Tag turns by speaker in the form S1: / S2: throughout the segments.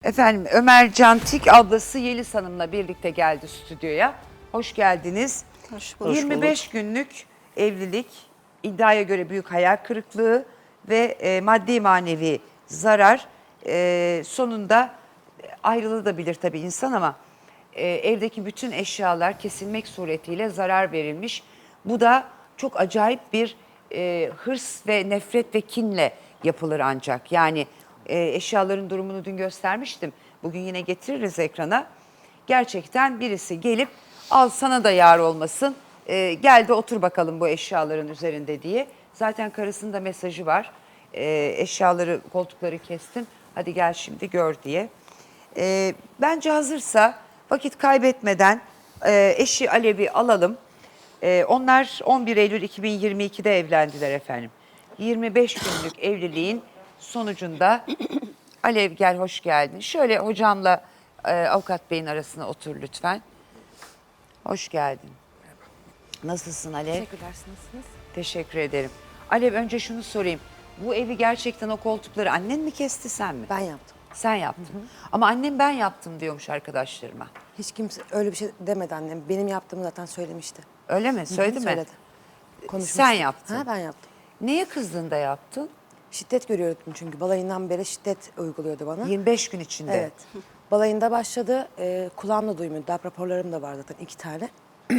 S1: Efendim Ömer Cantik ablası Yeliz Hanım'la birlikte geldi stüdyoya. Hoş geldiniz.
S2: Hoş bulduk.
S1: 25 günlük evlilik, iddiaya göre büyük hayal kırıklığı ve maddi manevi zarar. Sonunda ayrılabilir tabii insan ama evdeki bütün eşyalar kesilmek suretiyle zarar verilmiş. Bu da çok acayip bir hırs ve nefret ve kinle yapılır ancak. Yani eşyaların durumunu dün göstermiştim. Bugün yine getiririz ekrana. Gerçekten birisi gelip al sana da yar olmasın. Gel de otur bakalım bu eşyaların üzerinde diye. Zaten karısının da mesajı var. Eşyaları, koltukları kestim. Hadi gel şimdi gör diye. Bence hazırsa vakit kaybetmeden eşi Alev'i alalım. Onlar 11 Eylül 2022'de evlendiler efendim. 25 günlük evliliğin sonucunda Alev gel hoş geldin. Şöyle hocamla avukat beyin arasına otur lütfen. Hoş geldin. Nasılsın Alev?
S3: Teşekkürler, nasılsınız?
S1: Teşekkür ederim. Alev önce şunu sorayım. Bu evi gerçekten o koltukları annen mi kesti sen mi?
S3: Ben yaptım.
S1: Sen yaptın. Ama annem ben yaptım diyormuş arkadaşlarıma.
S3: Hiç kimse öyle bir şey demedi annem. Benim yaptığımı zaten söylemişti.
S1: Öyle mi? Söyledi mi?
S3: Söyledi. Konuşmuştuk.
S1: Sen yaptın.
S3: Ha, ben yaptım.
S1: Neye kızdın da yaptın?
S3: Şiddet görüyordum çünkü balayından beri şiddet uyguluyordu bana.
S1: 25 gün içinde.
S3: Evet. Balayında başladı. Kulağımla duymuyordu. Darp raporlarım da var zaten 2 tane.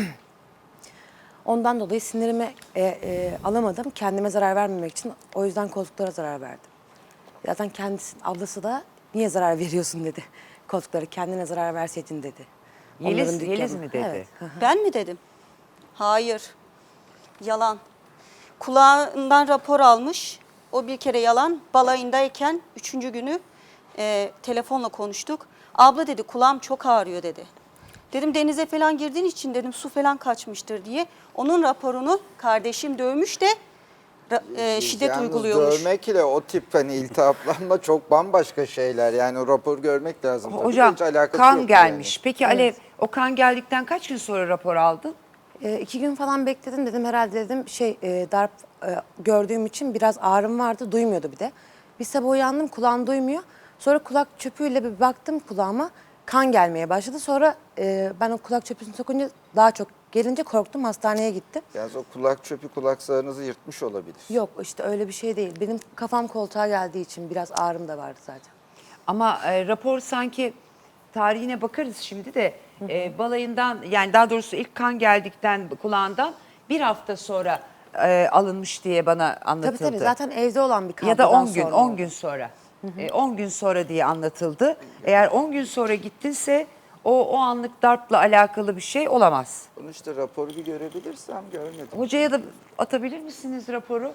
S3: Ondan dolayı sinirimi alamadım. Kendime zarar vermemek için o yüzden koltuklara zarar verdim. Zaten kendisi, ablası da niye zarar veriyorsun dedi. Koltuklara kendine zarar verseydin dedi.
S1: Yeliz,
S3: Onların dükkanı.
S1: Yeliz mi dedi?
S3: Evet.
S2: Ben mi dedim? Hayır. Yalan. Kulağından rapor almış. O bir kere yalan. Balayındayken 3. günü telefonla konuştuk. Abla dedi kulağım çok ağrıyor dedi. Dedim denize falan girdiğin için dedim su falan kaçmıştır diye. Onun raporunu kardeşim dövmüş de şiddet
S4: Yalnız
S2: uyguluyormuş.
S4: dövmek ile o tip hani iltihaplanma çok bambaşka şeyler. Yani o rapor görmek lazım. Tabii
S1: Hocam
S4: hiç alakası
S1: kan
S4: yok
S1: gelmiş.
S4: yani.
S1: Peki Alev o kan geldikten kaç gün sonra rapor aldın?
S3: 2 gün falan bekledim dedim herhalde dedim darp gördüğüm için biraz ağrım vardı duymuyordu bir de. Bir sabah uyandım kulağım duymuyor. Sonra kulak çöpüyle bir baktım kulağıma kan gelmeye başladı. Sonra ben o kulak çöpünü sokunca daha çok gelince korktum hastaneye gittim.
S4: Yalnız o kulak çöpü kulak zarınızı yırtmış olabilir.
S3: Yok işte öyle bir şey değil. Benim kafam koltuğa geldiği için biraz ağrım da vardı zaten.
S1: Ama rapor sanki tarihine bakarız şimdi de balayından yani daha doğrusu ilk kan geldikten kulağından bir hafta sonra alınmış diye bana anlatıldı.
S3: Tabii zaten evde olan bir
S1: Ya da
S3: kavgadan
S1: 10 gün,
S3: sonra
S1: 10
S3: oldu.
S1: gün sonra. 10 gün sonra diye anlatıldı. Eğer 10 gün sonra gittinse o anlık darpla alakalı bir şey olamaz.
S4: Bunu işte raporu bir görebilirsem görmedim.
S1: Hocaya da atabilir misiniz raporu?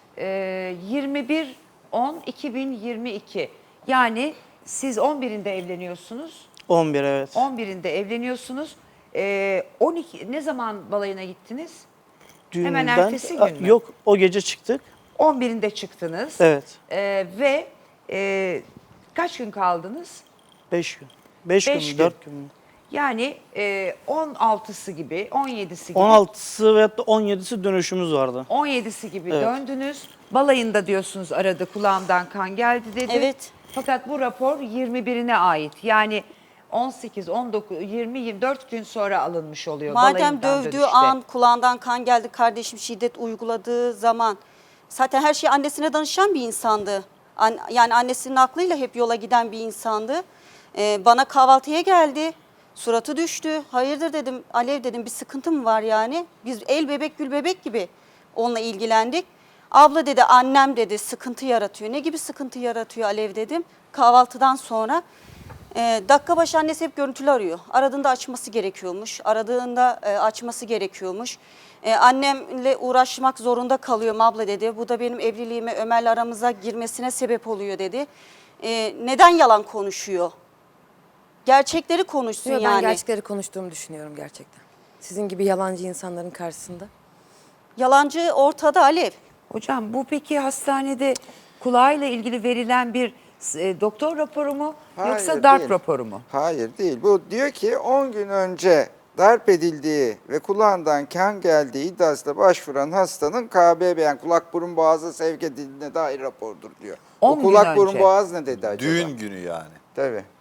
S1: 21-10-2022. Yani siz 11'inde evleniyorsunuz.
S5: 11 evet.
S1: 11'inde evleniyorsunuz. 12 ne zaman balayına gittiniz? Hemen
S5: Düğünden-
S1: ertesi gün mü?
S5: Yok o gece çıktık.
S1: 11'inde çıktınız.
S5: Evet.
S1: Ve kaç gün kaldınız?
S5: 5 gün. 5 gün
S1: Beş
S5: mü
S1: gün.
S5: 4 gün mü?
S1: Yani 16'sı gibi, 17'si gibi.
S5: 16'sı ve 17'si dönüşümüz vardı.
S1: 17'si gibi
S5: Evet.
S1: döndünüz. Balayında diyorsunuz aradı kulağımdan kan geldi dedi.
S2: Evet.
S1: Fakat bu rapor 21'ine ait. Yani 18, 19, 20, 24 gün sonra alınmış oluyor.
S2: Madem
S1: balayından
S2: dövdüğü
S1: dönüşte.
S2: an kulağından kan geldi kardeşim şiddet uyguladığı zaman zaten her şeyi annesine danışan bir insandı. Yani annesinin aklıyla hep yola giden bir insandı. Bana kahvaltıya geldi. Suratı düştü. Hayırdır dedim Alev dedim bir sıkıntı mı var yani? Biz el bebek gül bebek gibi onunla ilgilendik. Abla dedi annem dedi sıkıntı yaratıyor. Ne gibi sıkıntı yaratıyor Alev dedim. Kahvaltıdan sonra dakika başı annesi hep görüntülü arıyor. Aradığında açması gerekiyormuş. Aradığında açması gerekiyormuş. Annemle uğraşmak zorunda kalıyorum abla dedi. Bu da benim evliliğime Ömer'le aramıza girmesine sebep oluyor dedi. Neden yalan konuşuyor? Gerçekleri konuşsun
S3: Yok,
S2: yani.
S3: ben gerçekleri konuştuğumu düşünüyorum gerçekten. Sizin gibi yalancı insanların karşısında.
S2: Yalancı ortada Alev.
S1: Hocam bu peki hastanede kulağıyla ilgili verilen bir doktor raporu mu yoksa
S4: Hayır,
S1: darp
S4: değil.
S1: raporu mu?
S4: Hayır değil. Bu diyor ki 10 gün önce darp edildiği ve kulağından kan geldiği iddiasıyla başvuran hastanın KBB yani kulak burun boğazı sevk edildiğine dair rapordur diyor.
S1: 10
S4: O
S1: gün
S4: kulak burun
S1: önce.
S4: boğaz ne dedi acaba?
S6: Düğün günü yani.
S4: Tabii.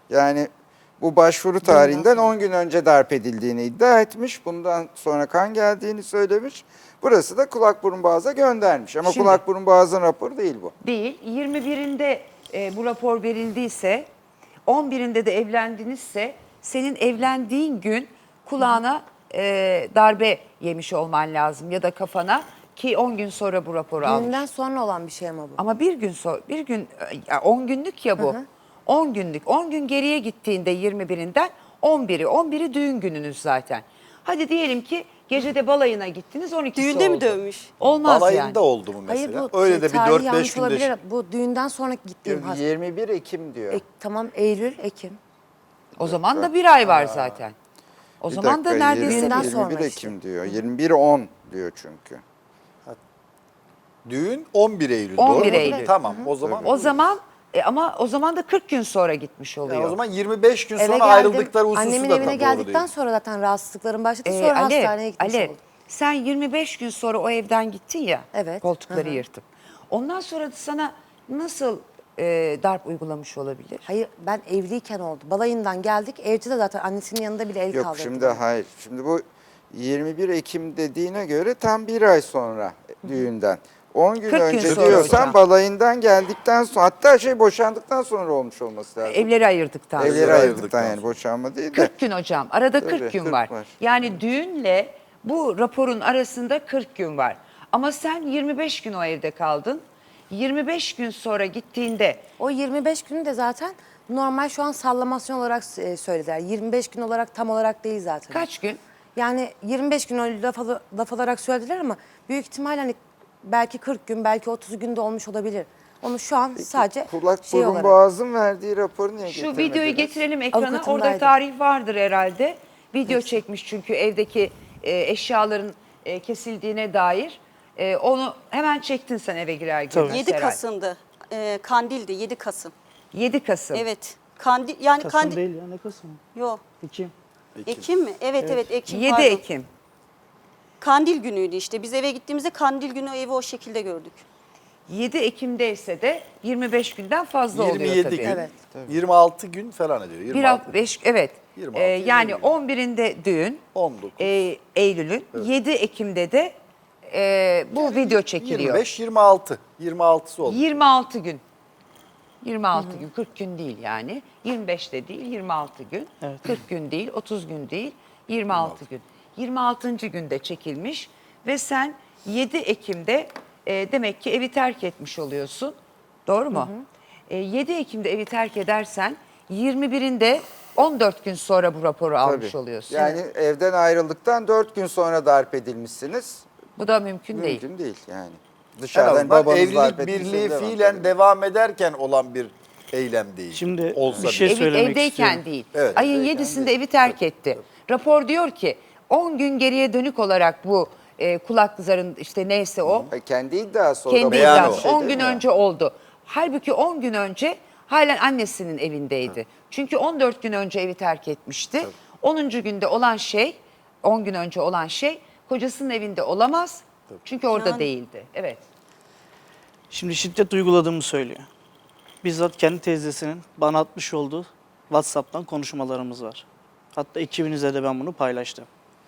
S4: Yani bu başvuru tarihinden 10 gün önce darp edildiğini iddia etmiş. Bundan sonra kan geldiğini söylemiş. Burası da kulak burun boğaza göndermiş. Ama
S1: Şimdi-
S4: kulak burun boğazın raporu değil bu.
S1: Değil. 21'inde bu rapor verildiyse, 11'inde de evlendinizse senin evlendiğin gün kulağına darbe yemiş olman lazım ya da kafana ki 10 gün sonra bu raporu almış.
S3: Düğünden sonra olan bir şey ama bu.
S1: Ama bir gün sonra, 10 günlük ya bu. 10 günlük. 10 gün geriye gittiğinde 21'inden 11'i düğün gününüz zaten. Hadi diyelim ki gecede balayına gittiniz 12'si
S2: Düğünde mi
S1: oldu.
S2: dövmüş?
S1: Olmaz
S6: Balayında
S1: yani.
S6: oldu mu mesela?
S3: Hayır bu
S6: Öyle de bir
S3: tarihi
S6: 4-5
S3: yanlış
S6: günde.
S3: olabilir. Bu düğünden sonra gittiğim hasta.
S4: 21 Ekim diyor.
S3: Tamam Eylül, Ekim.
S1: O zaman da bir ay var zaten. O
S4: Bir
S1: zaman da
S4: dakika,
S1: neredeyse
S3: 21'den
S4: 21
S3: sonra
S4: Ekim diyor. 21-10 diyor çünkü.
S6: Düğün 11 Eylül.
S1: 11
S6: doğru mu?
S1: Eylül.
S6: Tamam o zaman.
S1: o zaman ama o zaman da 40 gün sonra gitmiş oluyor.
S6: Yani o zaman 25 gün
S3: Eve
S6: sonra
S3: geldim.
S6: ayrıldıkları hususu
S3: Annemin
S6: da
S3: evine
S6: doğru
S3: geldikten
S6: değil.
S3: sonra zaten rahatsızlıklarım başladı. Sonra hastaneye gitmiş
S1: Alev,
S3: oldum.
S1: sen 25 gün sonra o evden gittin ya.
S3: Evet.
S1: Koltukları
S3: Hı hı.
S1: yırtıp. Ondan sonra da sana nasıl darp uygulamış olabilir?
S3: Hayır ben evliyken oldu. Balayından geldik. Evde de zaten annesinin yanında bile el
S4: Yok
S3: kaldırdı.
S4: şimdi hayır. Şimdi bu 21 Ekim dediğine göre tam bir ay sonra düğünden. 10 gün
S1: 40 gün
S4: önce
S1: sonra
S4: diyorsan
S1: hocam.
S4: balayından geldikten sonra hatta boşandıktan sonra olmuş olması lazım.
S1: Evleri ayırdıktan
S4: Evleri
S1: sonra.
S4: ayırdıktan yani boşanma değil de.
S1: 40 gün hocam. Arada 40
S4: Tabii,
S1: gün
S4: 40
S1: var.
S4: var.
S1: Yani düğünle bu raporun arasında 40 gün var. Ama sen 25 gün o evde kaldın. 25 gün sonra gittiğinde
S3: O 25 günü de zaten normal şu an sallamasyon olarak söylediler. 25 gün olarak tam olarak değil zaten.
S1: kaç gün?
S3: Yani 25 gün öyle laf olarak söylediler ama büyük ihtimal hani belki 40 gün belki 30 günde olmuş olabilir. Onu şu an sadece
S4: Kulak
S3: şey
S4: burun
S3: olarak.
S4: boğazın verdiği raporu niye
S1: Şu
S4: getirmediniz?
S1: videoyu getirelim ekrana.
S3: Avukatındaydı.
S1: Orada tarih vardır herhalde. Video çekmiş çünkü evdeki eşyaların kesildiğine dair. Onu hemen çektin sen eve girer girmez
S2: 7
S1: herhalde.
S2: Kasım'dı. Kandil'di 7 Kasım.
S1: 7 Kasım.
S2: Evet. Kandil yani
S5: Kasım
S2: Kandil.
S5: değil ya ne Kasım?
S2: Yok.
S5: Ekim.
S2: Ekim mi? Evet Ekim.
S1: 7
S2: pardon.
S1: Ekim.
S2: Kandil günüydü işte. Biz eve gittiğimizde Kandil günü evi o şekilde gördük.
S1: 7 Ekim'de ise de 25 günden fazla oluyor
S6: 27
S1: tabii.
S6: gün.
S3: Evet.
S6: 26 gün falan ediyor. 26
S1: Bir hafta 5 evet.
S6: 26,
S1: Yani
S6: 27.
S1: 11'inde düğün.
S6: 19.
S1: Eylül'ün 7 Ekim'de de bu video çekiliyor.
S6: 25 26. 26'sı oldu.
S1: 26 gün. 26 gün, 40 gün değil yani. 25 de değil, 26 gün.
S5: Evet.
S1: 40 gün değil, 30 gün değil, 26 gün. 26. günde çekilmiş ve sen 7 Ekim'de demek ki evi terk etmiş oluyorsun. Doğru mu? 7 Ekim'de evi terk edersen 21'inde 14 gün sonra bu raporu almış
S4: Tabii.
S1: oluyorsun.
S4: Yani evden ayrıldıktan 4 gün sonra darp edilmişsiniz.
S1: Bu da mümkün değil.
S4: Mümkün değil yani.
S6: En
S4: Dışarıdan
S6: azından
S4: babanız darp
S6: evlilik
S4: etmiş,
S6: birliği
S4: devam
S6: fiilen
S4: ediyor.
S6: devam ederken olan bir eylem değil.
S5: Şimdi
S6: Olsa
S5: bir
S6: bile.
S5: şey söylemek
S1: Evdeyken
S5: istiyorum.
S1: değil.
S6: Evet,
S1: Ayın
S6: evdeyken
S1: 7'sinde
S6: değil.
S1: evi terk etti. Rapor diyor ki 10 gün geriye dönük olarak bu kulak zarın işte neyse o
S4: Kendi iddiası o
S1: kendi
S4: da.
S6: beyan
S1: iddiası
S6: o.
S1: 10 gün önce oldu. Halbuki 10 gün önce halen annesinin evindeydi. Çünkü 14 gün önce evi terk etmişti. 10. günde olan şey 10 gün önce olan şey kocasının evinde olamaz. Çünkü orada
S2: Yani.
S1: değildi. Evet.
S5: Şimdi şiddet uyguladığımı söylüyor. Bizzat kendi teyzesinin bana atmış olduğu WhatsApp'tan konuşmalarımız var. Hatta ekibinize de ben bunu paylaştım.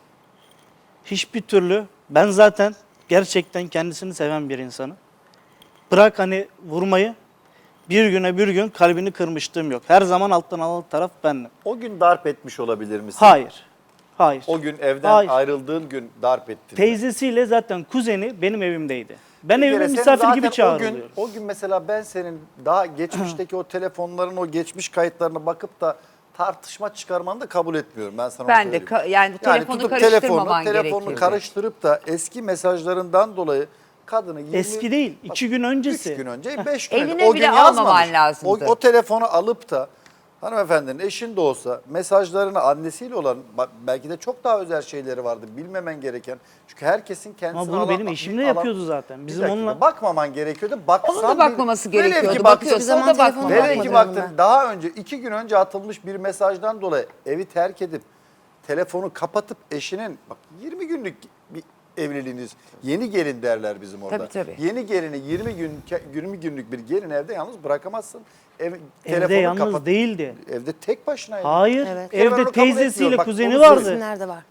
S5: Hiçbir türlü ben zaten gerçekten kendisini seven bir insanım. Bırak hani vurmayı bir güne bir gün kalbini kırmışlığım yok. Her zaman alttan alan taraf bendim.
S6: O gün darp etmiş olabilir misin?
S5: Hayır. Hayır.
S6: O gün evden
S5: Hayır.
S6: ayrıldığın gün darp ettin.
S5: Teyzesiyle zaten kuzeni benim evimdeydi. Ben
S6: Bir
S5: evime
S6: kere senin
S5: misafir
S6: zaten
S5: gibi çağrılıyorum.
S6: O gün mesela ben senin daha geçmişteki o telefonların o geçmiş kayıtlarına bakıp da tartışma çıkarmanı da kabul etmiyorum. Ben sana onu
S1: Ben de
S6: söyleyeyim.
S1: yani telefonu
S6: tutup
S1: karıştırmaman
S6: telefonunu
S1: gerekirdi.
S6: karıştırıp da eski mesajlarından dolayı kadını 20,
S5: Eski değil, 2 gün öncesi.
S6: 3 gün önce, 5 gün önce.
S1: Eline
S6: O
S1: bile
S6: gün
S1: almaman
S6: yazmamış.
S1: lazımdı.
S6: O telefonu alıp da hanımefendinin eşin de olsa mesajlarını annesiyle olan belki de çok daha özel şeyleri vardı bilmemen gereken. Çünkü herkesin kendisine
S5: Ama bunu benim eşimle yapıyordu zaten. Bizim onunla
S6: bakmaman gerekiyordu. Baksan
S1: Onun da bakmaması
S6: velev ki
S1: gerekiyordu.
S6: baktın-
S1: Bakıyorsa o
S3: zaman
S1: da
S3: telefonu
S1: bakmamalı.
S6: Velev ki
S3: Bakmadım
S6: baktın
S3: ben.
S6: daha önce 2 gün önce atılmış bir mesajdan dolayı evi terk edip telefonu kapatıp eşinin bak 20 günlük bir evliliğiniz. Yeni gelin derler bizim orada.
S1: Tabii.
S6: Yeni gelini 20 günlük bir gelin evde yalnız bırakamazsın.
S5: Evde
S6: Telefonu
S5: yalnız
S6: kapat.
S5: değildi.
S6: Evde tek başına.
S5: Hayır.
S3: Evet.
S6: Ben onu
S5: Evde
S6: kabul
S5: teyzesiyle
S6: etmiyorum. Bak,
S5: kuzeni
S6: onu
S5: vardı.
S3: İsimlerde var.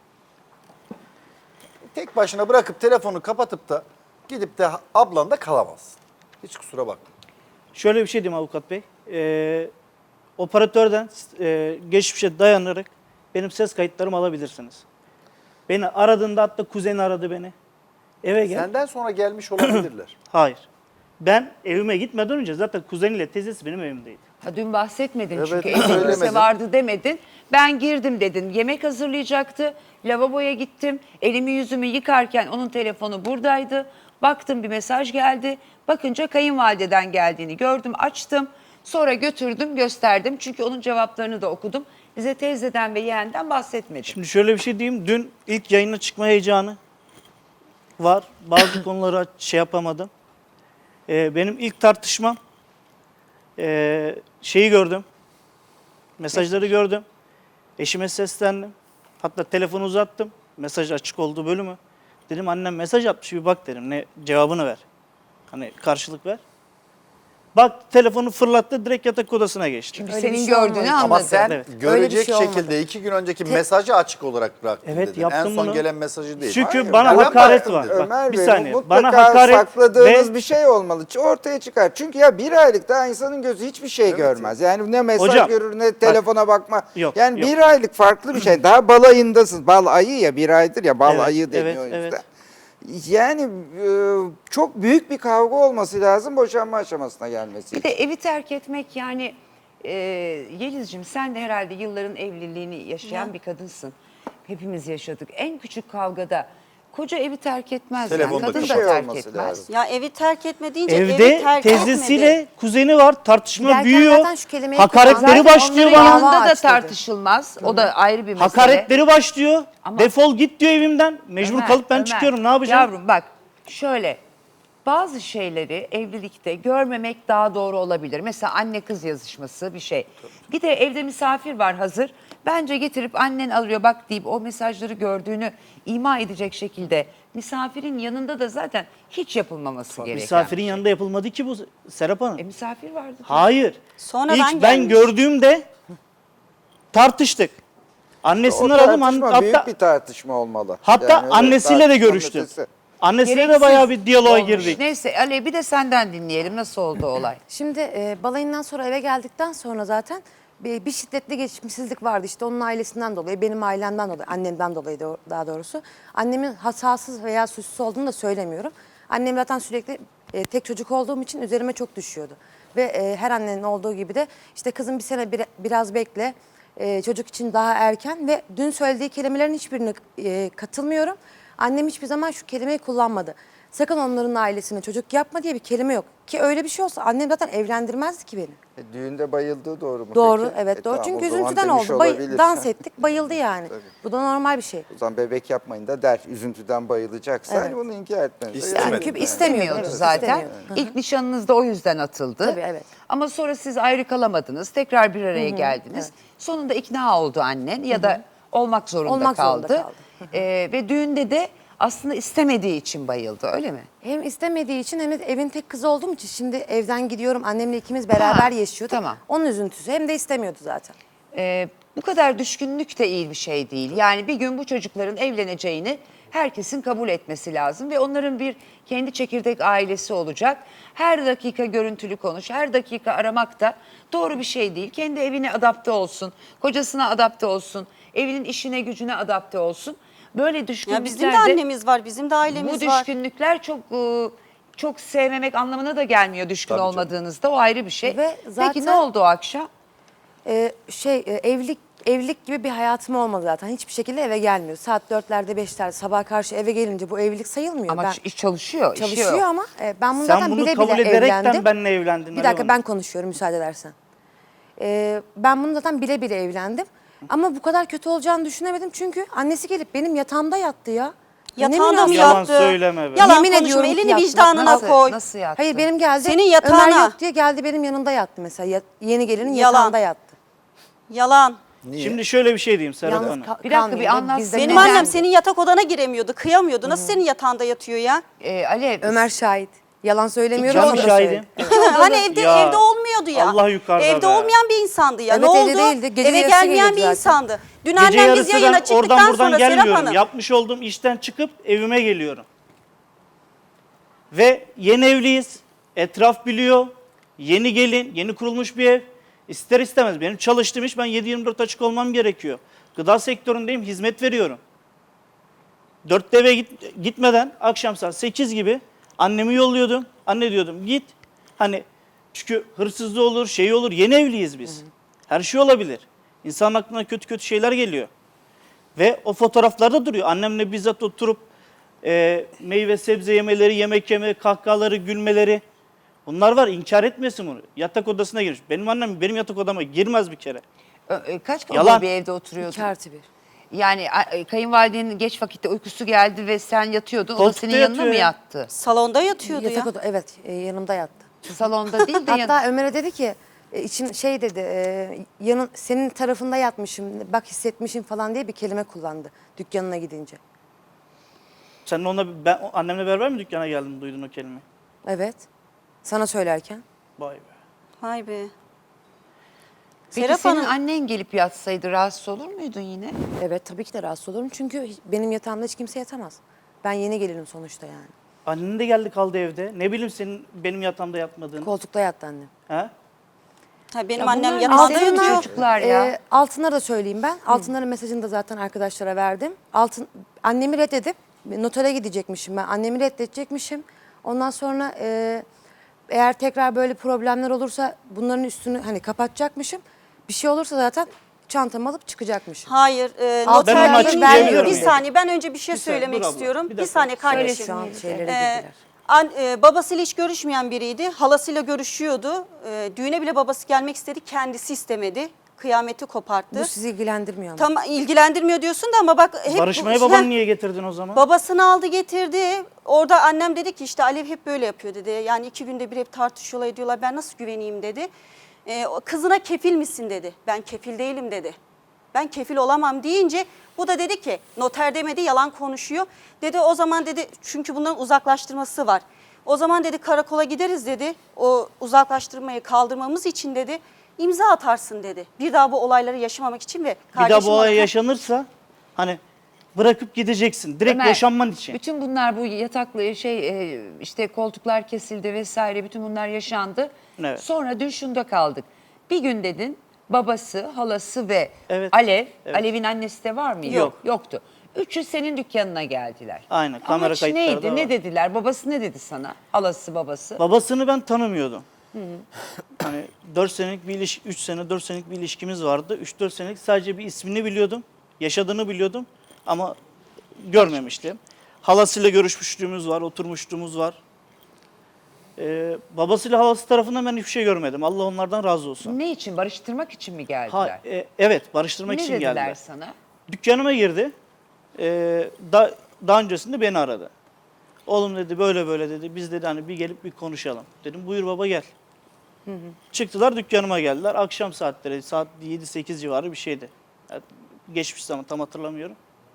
S6: Tek başına bırakıp telefonu kapatıp da gidip de ablan da kalamazsın. Hiç kusura bakma.
S5: Şöyle bir şey diyeyim avukat bey. Operatörden geçmişe dayanarak benim ses kayıtlarımı alabilirsiniz. Beni aradığında, hatta kuzeni aradı beni. Eve gel.
S6: Senden sonra gelmiş olabilirler.
S5: Hayır. Ben evime gitmeden önce zaten kuzeniyle teyzesi benim evimdeydi.
S1: Ha, dün bahsetmedin
S6: Evet,
S1: çünkü
S6: söylemedin.
S1: evde vardı demedin. Ben girdim dedin. Yemek hazırlayacaktı. Lavaboya gittim. Elimi yüzümü yıkarken onun telefonu buradaydı. Baktım bir mesaj geldi. Bakınca kayınvalideden geldiğini gördüm, açtım. Sonra götürdüm, gösterdim. Çünkü onun cevaplarını da okudum. Bize teyzeden ve yeğenden bahsetmedi.
S5: Şimdi şöyle bir şey diyeyim. Dün ilk yayına çıkma heyecanı var. Bazı konuları şey yapamadım. Benim ilk tartışmam şeyi gördüm. Mesajları gördüm. Eşime seslendim. Hatta telefonu uzattım. Mesaj açık olduğu bölümü. Dedim annem mesaj atmış, bir bak dedim. Ne cevabını ver. Hani karşılık ver. Bak telefonu fırlattı, direkt yatak odasına geçti.
S1: Çünkü
S3: Öyle
S1: senin
S3: bir şey
S1: gördüğünü
S3: olmadı.
S1: anladı.
S6: Ama sen
S5: Evet.
S3: Öyle
S6: görecek
S3: bir şey olmadı.
S6: şekilde 2 gün önceki mesajı açık olarak bıraktın
S5: Evet,
S6: dedin.
S5: yaptım
S6: En son
S5: bunu.
S6: gelen mesajı değil.
S5: Çünkü
S4: Hayır,
S5: bana
S4: ben
S5: hakaret
S4: baktım
S5: var.
S4: Ömer
S5: Bak bir
S4: Bey,
S5: saniye.
S4: mutlaka
S5: Bana hakaret
S4: sakladığınız
S5: ve
S4: bir şey olmalı. Ortaya çıkar. Çünkü ya bir aylık daha insanın gözü hiçbir şey görmez. Yani ne mesaj
S5: Hocam,
S4: görür ne telefona bakma.
S5: Yok,
S4: Yani
S5: yok.
S4: bir aylık farklı bir şey. Daha bal ayındasın. Bal ayı ya, bir aydır ya, bal
S5: Evet,
S4: ayı deniyor
S5: evet,
S4: o yüzden.
S5: evet.
S4: Yani çok büyük bir kavga olması lazım boşanma aşamasına gelmesi
S1: Bir
S4: için.
S1: de evi terk etmek yani Yeliz'cim sen de herhalde yılların evliliğini yaşayan bir kadınsın. Hepimiz yaşadık. En küçük kavgada koca evi terk etmez.
S6: Telefonda
S1: Yani. Kadın da
S4: kapat.
S1: terk
S4: olması
S1: etmez.
S4: lazım.
S2: Ya evi terk etme deyince evi
S5: evde
S2: terk
S5: teyzesiyle
S2: etmedi.
S5: kuzeni var. Tartışma
S3: Giderken
S5: büyüyor.
S3: zaten şu kelimeyi
S5: Hakaretleri
S3: kullandı.
S5: başlıyor
S1: Onların
S5: bana.
S1: yanında da
S3: Dava açtı dedi.
S1: tartışılmaz. O da ayrı bir mesele.
S5: Hakaretleri başlıyor.
S1: Ama-
S5: Defol git diyor evimden. Mecbur
S1: Ömer,
S5: kalıp ben
S1: Ömer,
S5: çıkıyorum. Ne yapacağım?
S1: Yavrum bak şöyle bazı şeyleri evlilikte görmemek daha doğru olabilir. Mesela anne kız yazışması bir şey. Bir de evde misafir var hazır. Bence getirip annen alıyor bak deyip o mesajları gördüğünü ima edecek şekilde misafirin yanında da zaten hiç yapılmaması gereken.
S5: Misafirin yanında yapılmadı ki bu Serap Hanım.
S1: Misafir vardı.
S5: Hayır.
S2: Sonradan
S5: İlk ben
S2: gelmiş.
S5: gördüğümde tartıştık.
S4: O
S5: Annesini aradım.
S4: tartışma büyük
S5: Hatta,
S4: bir tartışma olmalı.
S5: hatta
S4: Yani öyle
S5: annesiyle de
S4: tartışmanın
S5: görüştüm.
S4: ötesi.
S5: Annesiyle de
S1: Gereksiz
S5: bayağı bir diyaloğa
S1: olmuş.
S5: girdik.
S1: Neyse Ali bir de senden dinleyelim nasıl oldu olay.
S3: Şimdi balayından sonra eve geldikten sonra zaten bir şiddetli geçimsizlik vardı. İşte onun ailesinden dolayı, benim ailemden dolayı, annemden dolayı daha doğrusu. Annemin hatasız veya suçsuz olduğunu da söylemiyorum. Annem zaten sürekli tek çocuk olduğum için üzerime çok düşüyordu. Ve her annenin olduğu gibi de işte kızım bir sene biraz bekle, çocuk için daha erken ve dün söylediği kelimelerin hiçbirine katılmıyorum. Annem hiçbir zaman şu kelimeyi kullanmadı. Sakın onların ailesine çocuk yapma diye bir kelime yok. Ki öyle bir şey olsa annem zaten evlendirmezdi ki beni.
S4: Düğünde bayıldığı doğru mu
S3: Doğru,
S4: peki?
S3: evet doğru.
S4: Tamam,
S3: Çünkü
S4: o zaman
S3: üzüntüden
S4: demiş
S3: oldu.
S4: olabilir.
S3: Dans ettik, bayıldı yani. Bu da normal bir şey.
S4: O zaman bebek yapmayın da der. Üzüntüden bayılacaksa
S3: Evet.
S4: hani bunu inkar etmez.
S6: İstemedi.
S1: Çünkü
S6: Evet.
S1: istemiyordu
S3: Evet,
S1: zaten.
S3: istemiyordu.
S1: İlk nişanınız da o yüzden atıldı.
S3: Tabii, evet.
S1: Ama sonra siz ayrı kalamadınız. Tekrar bir araya geldiniz. Sonunda ikna oldu annen ya da olmak zorunda
S3: Olmak zorunda
S1: kaldı.
S3: kaldı.
S1: Ve düğünde de aslında istemediği için bayıldı öyle mi?
S3: Hem istemediği için hem de evin tek kızı olduğum için şimdi evden gidiyorum. Annemle ikimiz beraber yaşıyorduk.
S1: tamam.
S3: Onun üzüntüsü. Hem de istemiyordu zaten.
S1: Bu kadar düşkünlük de iyi bir şey değil. Yani bir gün bu çocukların evleneceğini herkesin kabul etmesi lazım ve onların bir kendi çekirdek ailesi olacak. Her dakika görüntülü konuş, her dakika aramak da doğru bir şey değil. Kendi evine adapte olsun, kocasına adapte olsun, evinin işine gücüne adapte olsun. Böyle düşkünlüklerde...
S2: Ya bizim de annemiz var, bizim de ailemiz
S1: Bu
S2: var.
S1: düşkünlükler çok sevmemek anlamına da gelmiyor düşkün
S6: Tabii canım.
S1: olmadığınızda. O ayrı bir şey.
S3: Ve
S1: Peki
S3: zaten-
S1: ne oldu o akşam?
S3: Evlilik gibi bir hayatım olmadı zaten. Hiçbir şekilde eve gelmiyor. Saat 4'lerde 5'lerde sabah karşı eve gelince bu evlilik sayılmıyor.
S1: Ama
S3: Ben
S1: iş çalışıyor. işi
S3: çalışıyor
S1: yok.
S3: ama ben bunu
S5: Sen
S3: zaten
S5: bunu
S3: bile
S5: kabul
S3: bile
S5: ederekten
S3: evlendim.
S5: benimle evlendin.
S3: Bir dakika ben konuşuyorum müsaade edersen. Ben bunu zaten bile bile evlendim. Ama bu kadar kötü olacağını düşünemedim. Çünkü annesi gelip benim yatağımda yattı ya.
S2: Yatağında mı
S5: Yalan
S2: yattı?
S5: söyleme be.
S2: Yalan
S3: Yemin
S2: konuşma,
S3: ediyorum ki
S2: elini
S3: yattı.
S2: vicdanına
S1: Nasıl,
S2: koy.
S1: nasıl yattı?
S3: Hayır benim geldi.
S2: Senin yatağına.
S3: Ömer yok diye geldi benim yanında yattı mesela. Yeni gelinin
S2: Yalan.
S3: yatağında yattı.
S2: Yalan.
S6: Niye?
S5: Şimdi şöyle bir şey diyeyim Serap
S3: Yalnız
S5: Hanım.
S3: ka-
S1: Bir dakika, bir
S3: kalmayın da
S1: anlatsın.
S3: bizde
S2: Benim
S1: Neden?
S2: annem senin yatak odana giremiyordu, kıyamıyordu. Nasıl senin yatağında yatıyor ya?
S1: Alev,
S3: Ömer şahit. Yalan söylemiyorum.
S5: Ben
S3: o
S5: mi
S3: da
S5: şahidim?
S3: söyledi.
S2: Hani evde
S5: Ya,
S2: evde olmuyordu ya.
S5: Allah yukarıda
S2: Evde
S5: be.
S2: olmayan bir insandı ya.
S3: Evet,
S2: ne
S3: evde
S2: oldu?
S3: değildi. Gece
S2: Eve
S3: yarısı
S2: gelmeyen bir
S3: geliyordu zaten.
S2: insandı. Dün
S5: Gece
S2: annem biz
S5: yarısı
S2: yayına
S5: ben
S2: çıktıktan
S5: oradan buradan
S2: sonra Serap
S5: gelmiyorum.
S2: Hanım.
S5: Yapmış olduğum işten çıkıp evime geliyorum. Ve yeni evliyiz. Etraf biliyor. Yeni gelin, yeni kurulmuş bir ev. İster istemez benim çalıştığım iş, ben 7/24 açık olmam gerekiyor. Gıda sektöründeyim, hizmet veriyorum. 4'te eve gitmeden akşam saat 8 gibi annemi yolluyordum. Anne diyordum git. Hani çünkü hırsızlığı olur, şey olur. Yeni evliyiz biz. Her şey olabilir. İnsanın aklına kötü kötü şeyler geliyor. Ve o fotoğraflarda duruyor. Annemle bizzat oturup meyve sebze yemeleri, yemek yeme, kahkahaları, gülmeleri. Bunlar var. İnkar etmesin bunu. Yatak odasına girmiş. Benim annem benim yatak odama girmez bir kere.
S1: kaç
S5: Yalan.
S1: odalı bir evde oturuyordun?
S3: 2+1.
S1: Yani kayınvalidenin geç vakitte uykusu geldi ve sen yatıyordun. O da
S5: Koltukta
S1: senin yanına
S5: yatıyor
S1: mı
S5: ya.
S1: yattı?
S2: Salonda yatıyordu
S3: Yatak
S2: ya.
S3: oda, evet, yanımda yattı.
S1: Salonda değil de
S3: Hatta Ömer'e dedi ki içim şey dedi, senin tarafında yatmışım, bak hissetmişim falan diye bir kelime kullandı dükkanına gidince.
S5: Sen onunla, ben annemle beraber mi dükkana geldin, duydun o kelimeyi?
S3: Evet. Sana söylerken.
S5: Vay be.
S2: Vay be.
S1: Peki
S2: Serap
S1: senin
S2: Hanım.
S1: annen gelip yatsaydı rahatsız olur muydun yine?
S3: Evet, tabii ki de rahatsız olurum çünkü benim yatağımda hiç kimse yatamaz. Ben yeni gelinim sonuçta yani.
S5: Annen de geldi kaldı evde. Ne bileyim senin benim yatağımda yatmadığını.
S3: Koltukta yattı annem.
S5: He?
S2: Ha, benim
S1: Ya
S2: annem
S1: bunlar
S2: yatağında
S1: ne senin
S2: yatıyor.
S1: çocuklar ya?
S3: Altınlara da söyleyeyim ben. Altınların mesajını da zaten arkadaşlara verdim. Annemi reddedip notere gidecekmişim ben. Annemi reddedecekmişim. Ondan sonra eğer tekrar böyle problemler olursa bunların üstünü hani kapatacakmışım. Bir şey olursa zaten çantamı alıp çıkacakmışım.
S2: Hayır,
S3: Altın
S5: Ben
S2: noter
S5: açık
S2: deyince
S5: diyemiyorum
S2: bir
S5: yani.
S2: saniye ben önce bir şey
S5: Bir saniye,
S2: söylemek
S5: dur abla,
S2: istiyorum.
S5: bir
S2: Bir,
S5: dakika.
S2: saniye kardeşim.
S3: Şu an şeylere
S2: Ee,
S3: girdiler.
S2: Babasıyla hiç görüşmeyen biriydi. Halasıyla görüşüyordu. Düğüne bile babası gelmek istedi. Kendisi istemedi. Kıyameti koparttı.
S3: Bu sizi ilgilendirmiyor ama.
S2: Tam ilgilendirmiyor diyorsun da ama bak hep
S5: Barışmaya babanı niye getirdin o zaman?
S2: Babasını aldı getirdi. Orada annem dedi ki işte Alev hep böyle yapıyor dedi. Yani 2 günde bir hep tartışıyorlar ediyorlar. Ben nasıl güveneyim dedi. Kızına kefil misin dedi. Ben kefil değilim dedi. Ben kefil olamam deyince bu da dedi ki noter demedi yalan konuşuyor. Dedi o zaman dedi çünkü bunların uzaklaştırması var. O zaman dedi karakola gideriz dedi. O uzaklaştırmayı kaldırmamız için dedi imza atarsın dedi. Bir daha bu olayları yaşamamak için ve
S5: Bir daha
S2: kardeşim
S5: bu olay
S2: bana-
S5: yaşanırsa hani bırakıp gideceksin. Direkt
S1: Ömer,
S5: boşanman için.
S1: Bütün bunlar bu yataklı işte koltuklar kesildi vesaire bütün bunlar yaşandı.
S5: Evet.
S1: Sonra dün şunda kaldık. Bir gün dedin babası, halası ve
S5: Evet.
S1: Alev,
S5: Evet.
S1: Alev'in annesi de var mıydı?
S5: Yok.
S1: Yoktu. Üçü senin dükkanına geldiler.
S5: Aynen, kamera
S1: Amaç
S5: kayıtları
S1: neydi?
S5: da
S1: Ne
S5: var.
S1: dediler? Babası ne dedi sana? Halası, babası.
S5: Babasını ben tanımıyordum. Hani 4 senelik bir 3 sene 4 senelik bir ilişkimiz vardı. 3-4 senelik sadece bir ismini biliyordum. Yaşadığını biliyordum ama görmemiştim. Halasıyla görüşmüşlüğümüz var, oturmuşluğumuz var. Babasıyla halası tarafından ben hiçbir şey görmedim. Allah onlardan razı olsun.
S1: Ne için? Barıştırmak için mi geldiler?
S5: Evet, barıştırmak
S1: Ne
S5: için
S1: dediler
S5: geldiler.
S1: sana?
S5: Dükkanıma girdi. Daha öncesinde beni aradı. Oğlum dedi böyle böyle dedi. Biz dedi hani bir gelip bir konuşalım. Dedim buyur baba gel. Çıktılar dükkanıma geldiler. Akşam saatleri saat 7-8 civarı bir şeydi. Yani geçmiş zaman tam hatırlamıyorum.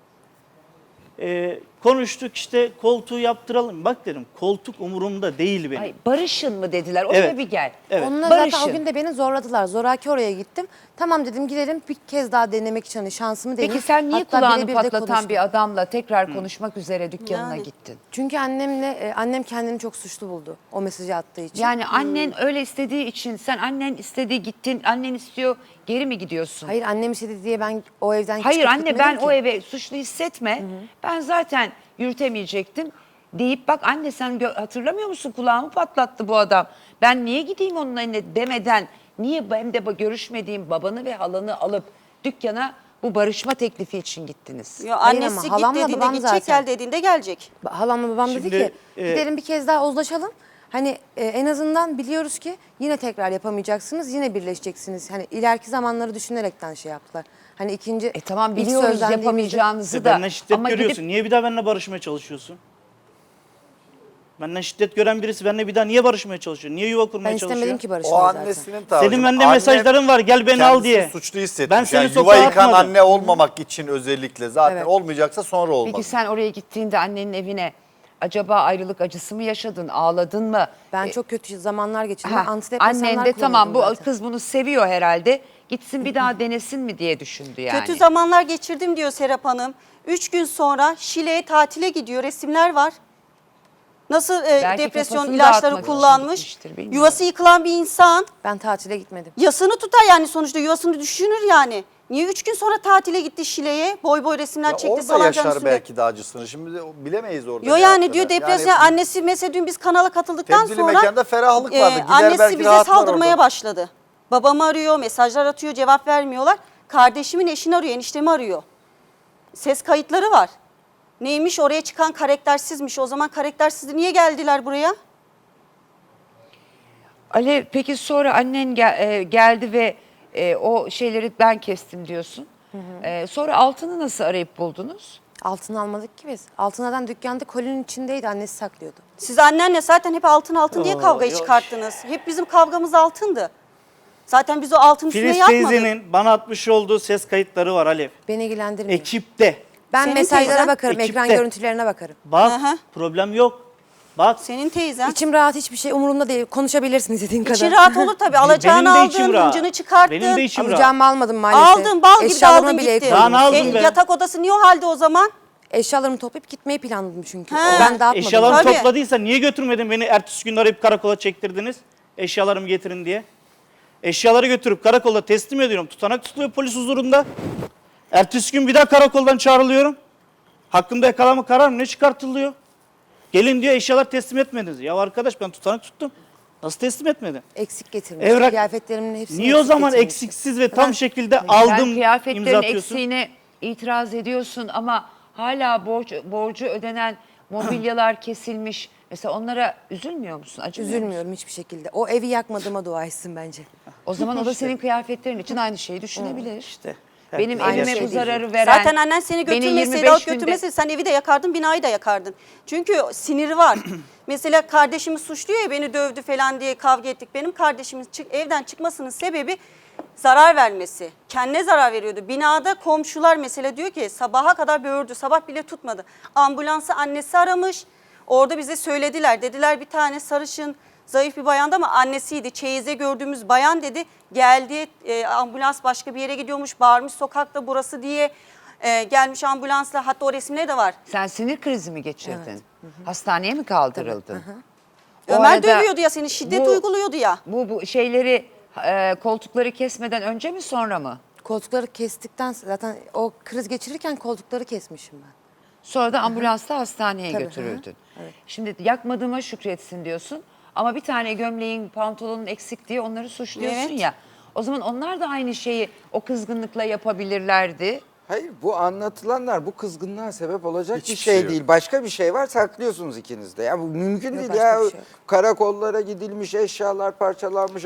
S5: Konuştuk işte koltuğu yaptıralım. Bak dedim koltuk umurumda değil benim.
S1: Ay, barışın mı dediler? Oraya
S5: Evet.
S1: bir gel.
S5: Evet.
S3: Onunla
S1: Barışın.
S3: zaten o gün de beni zorladılar. Zoraki oraya gittim. Tamam dedim gidelim bir kez daha denemek için hani şansımı deneyeyim.
S1: Peki sen niye
S3: Hatta
S1: kulağını
S3: birebir de
S1: patlatan
S3: konuştum.
S1: bir adamla tekrar konuşmak üzere dükkanına
S2: Yani.
S1: gittin?
S3: Çünkü annem kendini çok suçlu buldu o mesajı attığı için.
S1: Yani annen öyle istediği için sen annen istedi gittin, annen istiyor geri mi gidiyorsun?
S3: Hayır annem istedi diye ben o evden
S1: Hayır
S3: çıkıp
S1: anne ben
S3: gitmedim
S1: o
S3: ki.
S1: eve suçlu hissetme. Ben zaten yürütemeyecektim deyip bak anne sen hatırlamıyor musun kulağımı patlattı bu adam. Ben niye gideyim onun eline demeden niye hem de görüşmediğim babanı ve halanı alıp dükkana bu barışma teklifi için gittiniz?
S2: Yo,
S3: Hayır
S2: annesi
S3: ama
S2: git
S3: halamla
S2: dediğinde
S3: babam
S2: gidecek
S3: zaten.
S2: gel dediğinde gelecek.
S3: Halamla babam dedi
S5: Şimdi,
S3: ki gidelim bir kez daha uzlaşalım. Hani en azından biliyoruz ki yine tekrar yapamayacaksınız, yine birleşeceksiniz. Hani ileriki zamanları düşünerekten şey yaptılar. Hani ikinci
S1: Tamam
S3: ilk
S1: biliyoruz
S3: sözlendiğimizde-
S5: İşte
S1: yapamayacağınızı da.
S5: benden şiddet
S1: Ama
S5: görüyorsun.
S1: gidip
S5: Niye bir daha benimle barışmaya çalışıyorsun? Benden şiddet gören birisi benimle bir daha niye barışmaya çalışıyor? Niye yuva kurmaya
S3: Ben
S5: çalışıyor?
S3: istemedim ki
S6: O
S3: barışmayı zaten.
S6: annesinin tavrı.
S5: Senin bende
S6: Anne
S5: mesajların var, gel beni al
S6: kendisini
S5: diye.
S6: suçlu hissetmiş.
S5: Ben seni
S6: yani
S5: sokağa
S6: yuva yıkan
S5: atmadım.
S6: anne olmamak için özellikle zaten
S3: Evet.
S6: olmayacaksa sonra olmaz.
S1: Peki sen oraya gittiğinde annenin evine acaba ayrılık acısı mı yaşadın, ağladın mı?
S3: Ben çok kötü zamanlar geçirdim.
S1: Ha,
S3: Antidepresanlar
S1: annen de tamam bu
S3: kullanıyordum zaten.
S1: kız bunu seviyor herhalde. Gitsin bir daha denesin mi diye düşündü yani.
S2: Kötü zamanlar geçirdim diyor Serap Hanım. 3 gün sonra Şile'ye tatile gidiyor. Resimler var. Nasıl
S1: Belki
S2: depresyon
S1: kafasını
S2: ilaçları
S1: dağıtmak için
S2: kullanmış.
S1: gitmiştir, bilmiyorum.
S2: Yuvası yıkılan bir insan.
S3: Ben tatile gitmedim.
S2: Yasını tutar yani sonuçta yuvasını düşünür yani. Niye 3 gün sonra tatile gitti Şile'ye? Boy boy resimler
S6: Ya
S2: çekti
S6: orada
S2: salıncağın
S6: yaşar
S2: üstünde.
S6: belki de acısını. Şimdi de bilemeyiz orada.
S2: Yo
S6: ne
S2: yani
S6: yaptığını.
S2: diyor depresyon
S6: Yani
S2: annesi mesela dün biz kanala katıldıktan
S6: tebdili
S2: sonra
S6: mekanda ferahlık vardı. Gider
S2: annesi
S6: belki
S2: bize
S6: rahatlar
S2: saldırmaya
S6: orada.
S2: başladı. Babamı arıyor, mesajlar atıyor, cevap vermiyorlar. Kardeşimin eşini arıyor, eniştemi arıyor. Ses kayıtları var. Neymiş oraya çıkan karaktersizmiş. O zaman karaktersizdi niye geldiler buraya?
S1: Alev peki sonra annen geldi ve o şeyleri ben kestim diyorsun. Sonra altını nasıl arayıp buldunuz?
S3: Altın almadık ki biz. Altınlardan dükkanda kolinin içindeydi. Annesi saklıyordu.
S2: Siz annenle zaten hep altın diye kavgayı çıkarttınız. Hep bizim kavgamız altındı. Zaten biz o altın üstüne
S5: Filiz
S2: yapmadık.
S5: teyzenin bana atmış olduğu ses kayıtları var Alev.
S3: Beni ilgilendirmiyor.
S5: Ekipte.
S3: Ben
S2: Senin
S3: mesajlara
S2: teyzen
S3: bakarım, ekran
S5: ekipte.
S3: görüntülerine bakarım.
S5: Bak
S2: Hı hı.
S5: problem yok. Bak
S2: Senin teyzen.
S3: İçim rahat, hiçbir şey umurumda değil. Konuşabilirsin istediğin kadar.
S2: İçin rahat olur tabii. Alacağını
S5: benim de içim
S2: aldın,
S5: rahat.
S2: hıncını çıkarttın.
S5: Benim de içim rahat.
S3: Alacağımı almadım maalesef.
S2: Aldın, bal gibi de
S3: Eşyalarımı
S2: aldın
S3: bile
S2: gittin.
S5: Daha ne aldın be?
S2: Yatak odası niye o halde o zaman?
S3: Eşyalarımı toplayıp gitmeyi planladım çünkü.
S2: He.
S3: Ben dağıtmadım.
S5: Eşyalarımı
S2: Tabii.
S5: topladıysa niye götürmedin beni ertesi gün arayıp karakola çektirdiniz? Eşyalarımı getirin diye. Eşyaları götürüp karakolda teslim ediyorum. Tutanak tutuluyor polis huzurunda. Ertesi gün bir daha karakoldan çağrılıyorum. Hakkımda yakalama kararı ne çıkartılıyor? Gelin diyor eşyalar teslim etmediniz. Ya arkadaş ben tutanak tuttum. Nasıl teslim etmedin?
S3: Eksik getirmiş.
S5: Evrak-
S3: Kıyafetlerimin hepsini
S5: Niye o
S3: eksik
S5: zaman
S3: getirmiş.
S5: eksiksiz ve tam şekilde
S1: Sen
S5: aldım imza
S1: kıyafetlerin
S5: atıyorsun?
S1: eksiğine itiraz ediyorsun ama hala borcu ödenen mobilyalar kesilmiş. Mesela onlara üzülmüyor musun? Acımıyor musun?
S3: Üzülmüyorum hiçbir şekilde. O evi yakmadığıma dua etsin bence.
S1: O zaman o da senin kıyafetlerin için aynı şeyi düşünebilir.
S5: İşte.
S1: Benim
S3: Aynı
S1: elime
S3: şey
S1: bu
S3: değil.
S1: zararı veren...
S2: Zaten annen seni
S1: beni
S2: götürmeseydi,
S1: 25
S2: alıp
S1: günde-
S2: götürmeseydi sen evi de yakardın, binayı da yakardın. Çünkü siniri var. Mesela kardeşimi suçluyor ya beni dövdü falan diye kavga ettik. Benim kardeşimin evden çıkmasının sebebi zarar vermesi. Kendine zarar veriyordu. Binada komşular mesela diyor ki sabaha kadar böğürdü, sabah bile tutmadı. Ambulansı annesi aramış. Orada bize söylediler. Dediler bir tane sarışın, zayıf bir bayandı ama annesiydi. Çeyiz'de gördüğümüz bayan dedi. Geldi ambulans başka bir yere gidiyormuş. Bağırmış sokakta burası diye. Gelmiş ambulansla, hatta o resimleri de var.
S1: Sen sinir krizi mi geçirdin? Hastaneye mi kaldırıldın? O
S2: Ömer
S1: arada
S2: dövüyordu ya seni, şiddet
S1: bu-
S2: uyguluyordu ya.
S1: Bu şeyleri koltukları kesmeden önce mi sonra mı?
S3: Koltukları kestikten zaten o kriz geçirirken koltukları kesmişim ben.
S1: Sonra da ambulansla hastaneye
S3: Tabii,
S1: götürüldün. Şimdi yakmadığıma şükretsin diyorsun ama bir tane gömleğin, pantolonun eksik diye onları suçluyorsun
S2: Evet.
S1: ya. O zaman onlar da aynı şeyi o kızgınlıkla yapabilirlerdi.
S4: Hayır, bu anlatılanlar bu kızgınlığa sebep olacak
S6: Hiçbir
S4: bir şey
S6: şey yok.
S4: değil. Başka bir şey var, saklıyorsunuz ikiniz de. Ya bu mümkün
S3: Yok,
S4: değil
S3: başka
S4: ya.
S3: bir şey yok.
S4: Karakollara gidilmiş, eşyalar parçalanmış,